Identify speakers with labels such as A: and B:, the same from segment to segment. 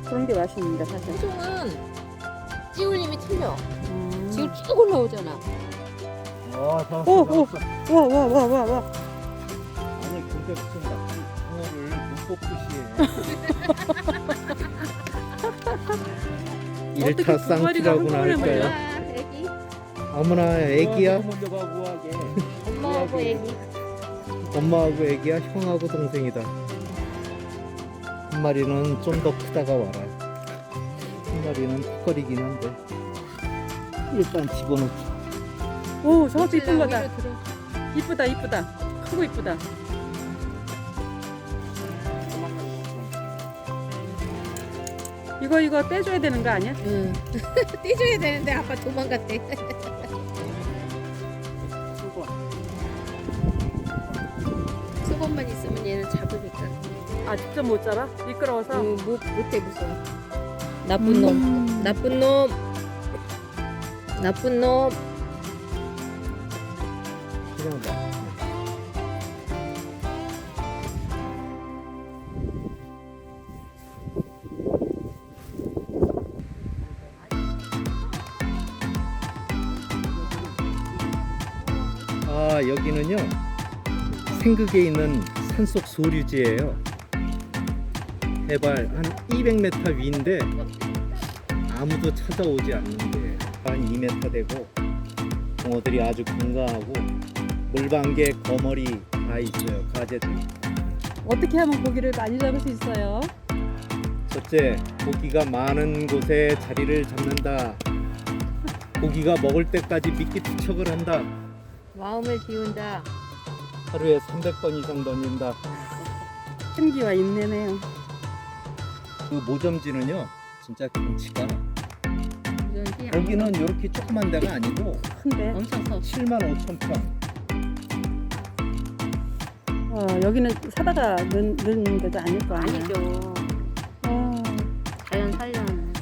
A: 그런 게 맛있는데 사실.
B: 토종은 찌울림이 틀려. 지금 쭉 올라오잖아.
C: 와, 다
A: 오,
C: 왔어.
A: 오. 와.
C: 아니, 근데 무슨 붕어를 눈 뽑듯이 해. 1차
A: 두 마리가
C: 쌍추라고나
A: 한꺼번에
C: 할까요?
B: 아, 애기.
C: 아무나 애기야?
D: 먼저 가 우아하게.
B: 엄마하고 애기.
C: 엄마하고 애기야? 형하고 동생이다. 한 마리는 좀 더 크다가 와라. 한 마리는 턱거리긴 한데. 일단 집어넣자.
A: 오, 저것도 이쁜 거다.
B: 위로 들어.
A: 이쁘다. 크고 이쁘다. 이거 떼줘야 되는 거 아니야?
B: 응. 떼줘야 되는데 아빠 도망갔대. 수건만 있으면 얘는 잡으니까.
A: 아, 직접 못 잡아? 미끄러워서?
B: 못해 무서워. 나쁜 놈. 나쁜 놈. 나쁜 놈.
C: 그냥 봐. 아, 여기는요 생극에 있는 산속 소류지예요. 해발 한 200m 위인데 아무도 찾아오지 않는데 한 2m 되고 붕어들이 아주 건강하고 물방개, 거머리 다 있어요. 가재들.
A: 어떻게 하면 고기를 많이 잡을 수 있어요?
C: 첫째, 고기가 많은 곳에 자리를 잡는다. 고기가 먹을 때까지 미끼 투척을 한다.
B: 마음을 비운다.
C: 하루에 300번 이상 던진다.
A: 끈기와 인내네요.
C: 그 모점지는요 진짜 경치가
B: 무전기
C: 여기는 이렇게 조그만 데가 아니고
A: 큰데.
B: 엄청 커.
C: 75,000평.
A: 여기는 사다가 넣는 데도 아닐 거 아니야?
B: 아니죠. 자연 살려는.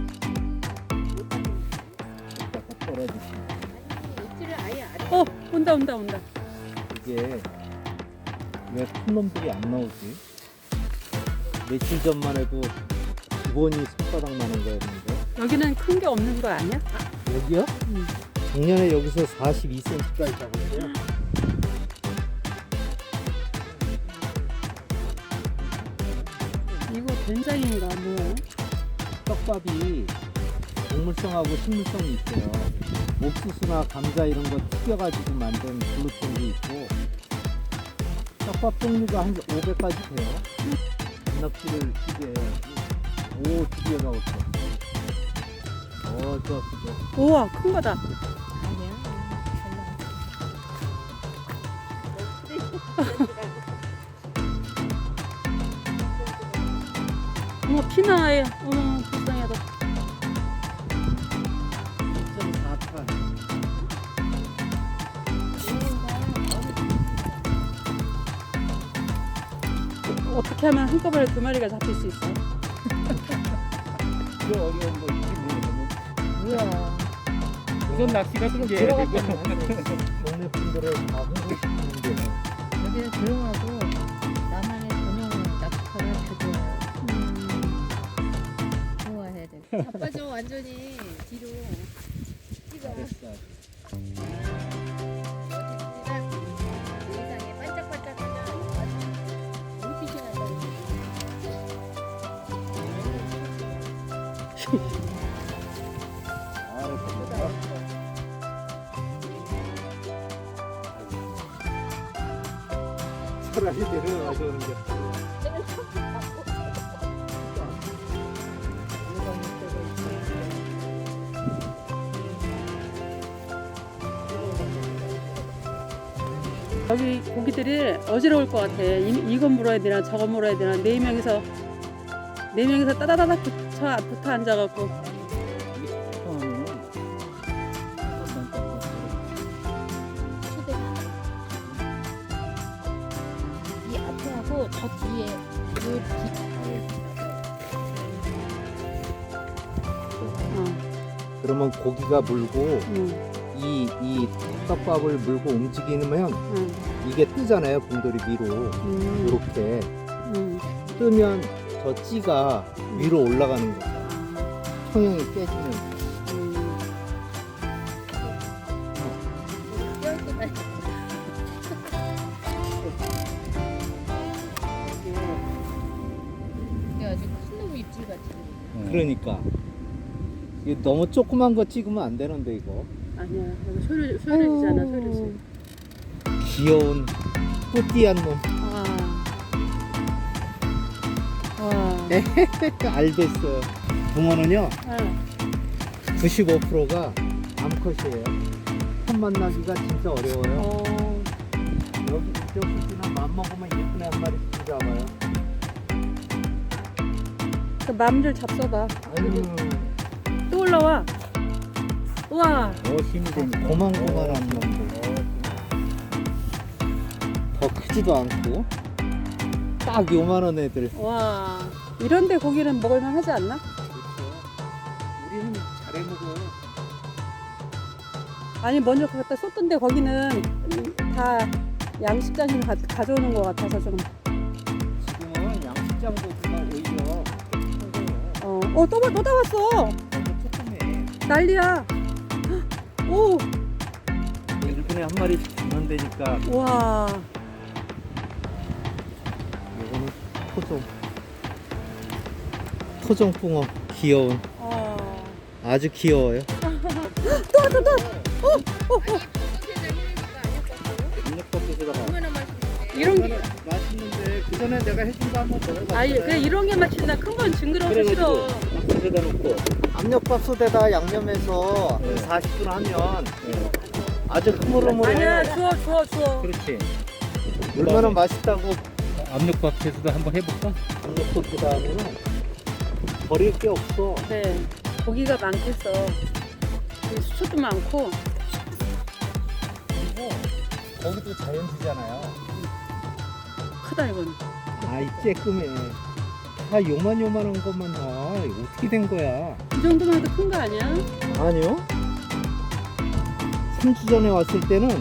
C: 이따가 떨어지시면
B: 입질을 아예 안 해.
A: 온다.
C: 이게 왜 큰 놈들이 안 나오지? 며칠 전만 해도 기본이 손바닥 나는 거였는데
A: 여기는 큰 게 없는 거 아니야?
C: 여기요?
A: 응.
C: 작년에 여기서 42cm까지 잡았어요.
A: 이거 된장인가 뭐야?
C: 떡밥이 동물성하고 식물성이 있어요. 옥수수나 감자 이런 거 튀겨가지고 만든 글루텐도 있고 떡밥 종류가 한 500가지 돼요. 단낙지를 튀겨야지. 오, 드디어 나왔어. 좋았어.
A: 우와, 큰 거다.
B: 아니야.
A: 어머, 피나에. 어머, 불쌍하다.
C: 2.4판.
A: 어떻게 하면 한꺼번에 두 마리가 잡힐 수 있어?
D: 그 어려운 거 있지 모르겠네.
B: 뭐야.
D: 우선 낚시가 좀 돼야 되고.
C: 동네 분들을 다 홍보시키는데
B: 여기는 조용하고 나만의 전용 낚시터를 가져와요. 좋아해야 돼. 자빠져 완전히 뒤로. 찍어. 세상에 반짝반짝하다. 눈빛이 난다.
C: 차라리 내려가서는 게
A: 여기 고기들이 어지러울 것 같아. 이건 물어야 되나 저건 물어야 되나. 네 명이서 따다다닥 붙어 앉아갖고.
B: 이 앞에 하고 저 뒤에 그
C: 그러면 고기가 물고
A: 응.
C: 이 떡밥을 물고 움직이면
A: 응.
C: 이게 뜨잖아요. 봉돌이 위로
A: 응.
C: 이렇게
A: 응.
C: 뜨면 저 찌가 위로 올라가는 거야. 청양이 깨지면.
B: 이게 아주 큰 놈 입질 같이.
C: 그러니까 이게 너무 조그만 거 찍으면 안 되는데 이거.
A: 아니야. 여기 소리지잖아. 소리지.
C: 귀여운 뿌띠한 놈.
A: 와.
C: 알겠어요. 붕어는요
A: 아.
C: 95%가 암컷이에요. 첫 만나기가 진짜 어려워요.
A: 어.
C: 여기 이쪽이나 맘먹으면 예쁜 애 한 마리씩 잡아요.
A: 그 맘들 잡숴봐.
C: 아유,
A: 또 올라와. 우와.
C: 힘이 되니 고만고만한 놈들. 더 크지도 않고 딱 요만한 애들.
A: 와. 이런데 고기는 먹을만 하지 않나?
C: 그렇죠. 우리는 잘해 먹어요.
A: 아니 먼저 갖다 쏟던데 거기는 다 양식장에서 가져오는 것 같아서 좀.
C: 지금은 양식장보다 오히려
A: 또 다 왔어.
C: 너무 조그매.
A: 난리야. 오.
C: 1분에 한 마리씩 잡는 데니까.
A: 와.
C: 이거는 토종붕어 귀여운. 아주 귀여워요.
A: 이런 게.
C: 맛있는데 그 전에 내가 해준 거 한번 먹어봤어요.
A: 아니 그래 이런 게 맛있나? 큰 건 징그러워서 싫어.
C: 밥솥에다 놓고 압력밥솥에다 양념해서 40분 하면 아주 흐물흐물해.
A: 아니야 주워.
C: 그렇지. 얼마나 맛있다고.
D: 압력밥솥에도 한번 해볼까?
C: 압력밥솥 하면은 버릴 게 없어.
A: 네. 고기가 많겠어. 그리고 수초도 많고.
C: 그리고 거기도 자연지잖아요.
A: 크다 이건.
C: 아이 쬐끔해. 다 요만한 것만 다. 이거 어떻게 된 거야?
A: 이 정도만 해도 큰 거 아니야?
C: 아니요. 3주 전에 왔을 때는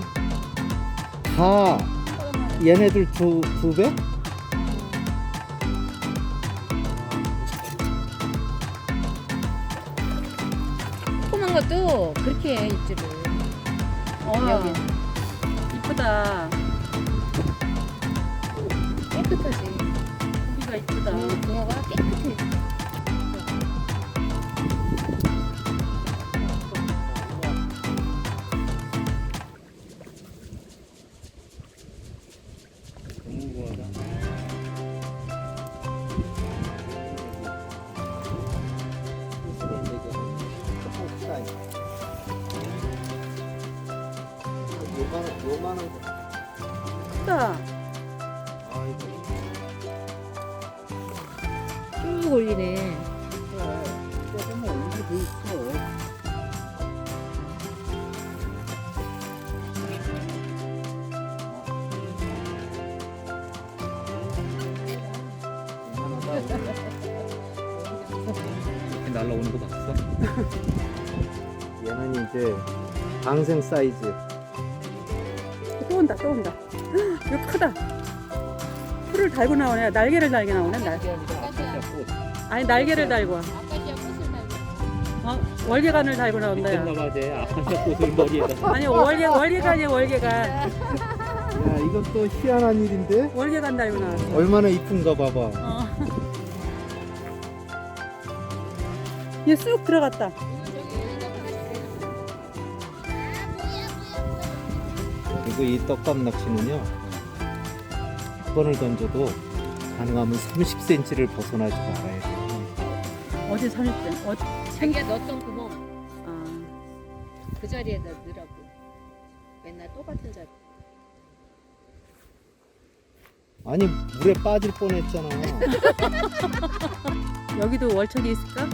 C: 다 얘네들 두 배?
B: 조그만 것도 그렇게 해 입질을. 여기
A: 이쁘다.
B: 깨끗하지.
A: 고기가 이쁘다.
B: 붕어가 깨끗해.
C: 요만한 거.
A: 크다.
C: 아이고.
B: 쭉 올리네.
C: 조금 올리게 돼 있어.
D: 이렇게 날라오는 거 봤어?
C: 얘는 이제 방생 사이즈.
A: 또 온다. 이거 크다. 풀을 달고 나오네. 날개를 달게 나오네. 아니 날개를 달고 와.
B: 아카시아 꽃을 달고.
A: 월계관을 달고 나온다. 야.
D: 미쳤나봐 쟤 아카시아 꽃을 머리에다.
A: 아니 월계관이야 월계관.
C: 야, 이건 또 희한한 일인데?
A: 월계관 달고 나왔어.
C: 얼마나 이쁜가 봐봐.
A: 얘 쑥 들어갔다.
C: 그리고 이 떡밥 낚시는요, 100번을 던져도 가능하면 30cm를 벗어나지 말아야 돼요.
A: 어디 30대?
B: 자기가 넣었던 구멍
A: 아,
B: 그 자리에다 넣으라고. 맨날 똑같은 자리.
C: 아니, 물에 빠질 뻔했잖아.
A: 여기도 월척이 있을까?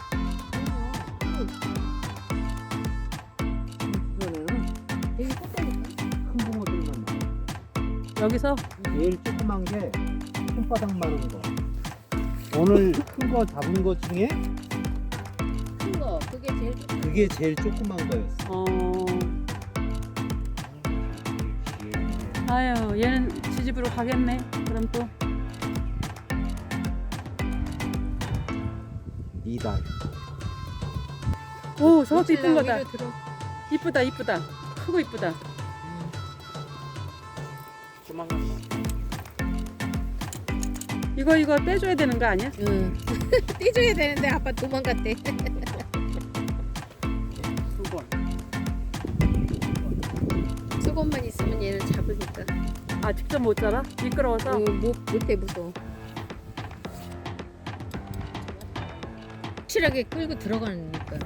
B: 되게 똑같으니까.
C: 큰 붕어들만 나와.
A: 여기서
C: 제일 조그만 게 손바닥만한 거. 오늘 큰 거 잡은 거 중에
B: 큰 거. 그게 제일 좋
C: 그게 제일 조그만 거였어.
A: 아유 얘는 지집으로 가겠네. 그럼 또
C: 2달.
A: 오, 저것도 이쁜 거다.
B: 위로 들어.
A: 이쁘다, 이쁘다. 크고 이쁘다.
D: 조만간
A: 이거 떼줘야 되는 거 아니야?
B: 응. 떼줘야 되는데 아빠 도망갔대.
D: 수건.
B: 수건만 있으면 얘를 잡으니까.
A: 아, 직접 못 잡아? 미끄러워서?
B: 못해 무서워. 확실하게 끌고 들어가니까.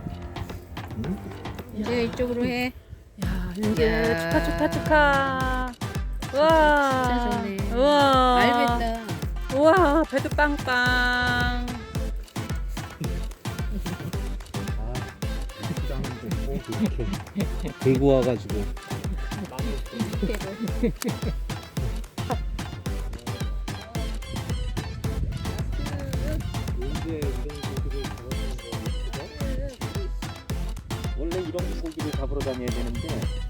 B: 이제 이쪽으로 해.
A: 야, 이제
B: 야.
A: 축하. 우와.
B: 진짜 좋네.
A: 우와.
B: 알겠다.
A: 우와, 배도 빵빵.
C: 아, 짱인데 이렇게 들고 와가지고. 언제 이런 고기를 잡았는 거? 원래 이런 고기를 잡으러 다녀야 되는데